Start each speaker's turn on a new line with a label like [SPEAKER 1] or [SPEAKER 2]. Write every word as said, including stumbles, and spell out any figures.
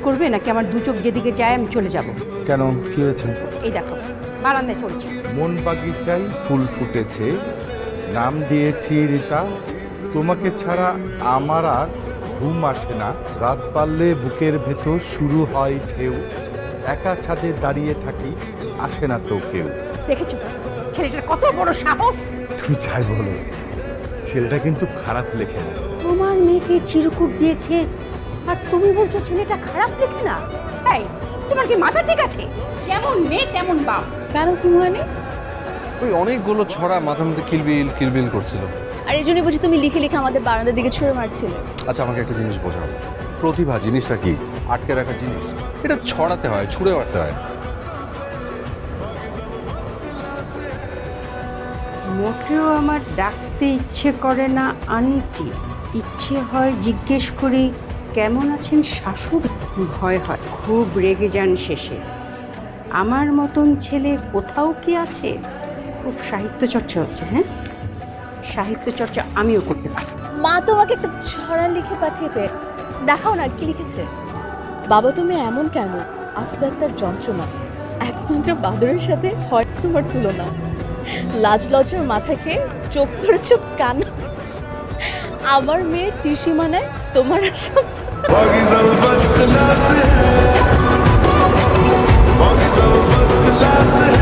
[SPEAKER 1] করবে নাকি আমার দু চোখ যেদিকে যায় আমি চলে যাব?
[SPEAKER 2] কেন, কি হয়েছে?
[SPEAKER 1] এই দেখো বারান্দায় পড়েছি।
[SPEAKER 2] মন বাগিচায় ফুল ফুটেছে, নাম দিয়েছি রীতা। তোমাকে ছাড়া আমার আর ঘুম আসে না। রাত পারলে বুকের ভেতর শুরু হয় ঢেউ। একা ছাদে দাঁড়িয়ে থাকি, আসে না তো কেউ।
[SPEAKER 1] দেখেছো ছেলেটার কত বড় সাহস!
[SPEAKER 2] তুমি চাই বলো, ছেলেটা কিন্তু খারাপ লেখে না।
[SPEAKER 1] তোমার মেয়েকে চিরকুট দিয়েছে আর তুমি বলছো ছেলেটা খারাপ লেখে না? তাই তোমার কি মাথা ঠিক আছে? যেমন মেয়ে তেমন বাপ।
[SPEAKER 3] কেন কি হয়নি?
[SPEAKER 4] ওই অনেকগুলো ছড়া মাথার মধ্যে কিলবিল কিলবিল করছিল।
[SPEAKER 3] আর এই জন্যই বুঝি তুমি লিখে লিখে আমাদের বারান্দার দিকে ছুঁড়ে মারছিলে।
[SPEAKER 4] আচ্ছা, আমাকে একটা জিনিস বোঝাও, প্রতিভা জিনিসটা কি? আটকে রাখার জিনিস? এটা ছড়াতে হয়, ছুঁড়ে মারতে হয়।
[SPEAKER 1] মোটেও আমার ডাকতে ইচ্ছে করে না আন্টি, ইচ্ছে হয় জিজ্ঞেস করি কেমন আছেন শাশুড়ি। ভয় হয় খুব রেগে যান শেষে। আমার মতন ছেলে কোথাও কি আছে? খুব সাহিত্য চর্চা হচ্ছে। হ্যাঁ, সাহিত্য চর্চা আমিও করতে পারি।
[SPEAKER 3] মা তোমাকে একটা ছড়া লিখে পাঠিয়েছে, দেখাও না কি লিখেছে। বাবা তুমি এমন কেন, আজ তো একটা যন্ত্রণা, একমাত্র বাদরের সাথে হয় তোমার তুলনা। লাজ লজ্জার মাথা খেয়ে চোখ করেছ কান, আমার মেয়ের ত্রিসীমানায় তোমার আশা।
[SPEAKER 5] Buggies over first class. Buggies over first class.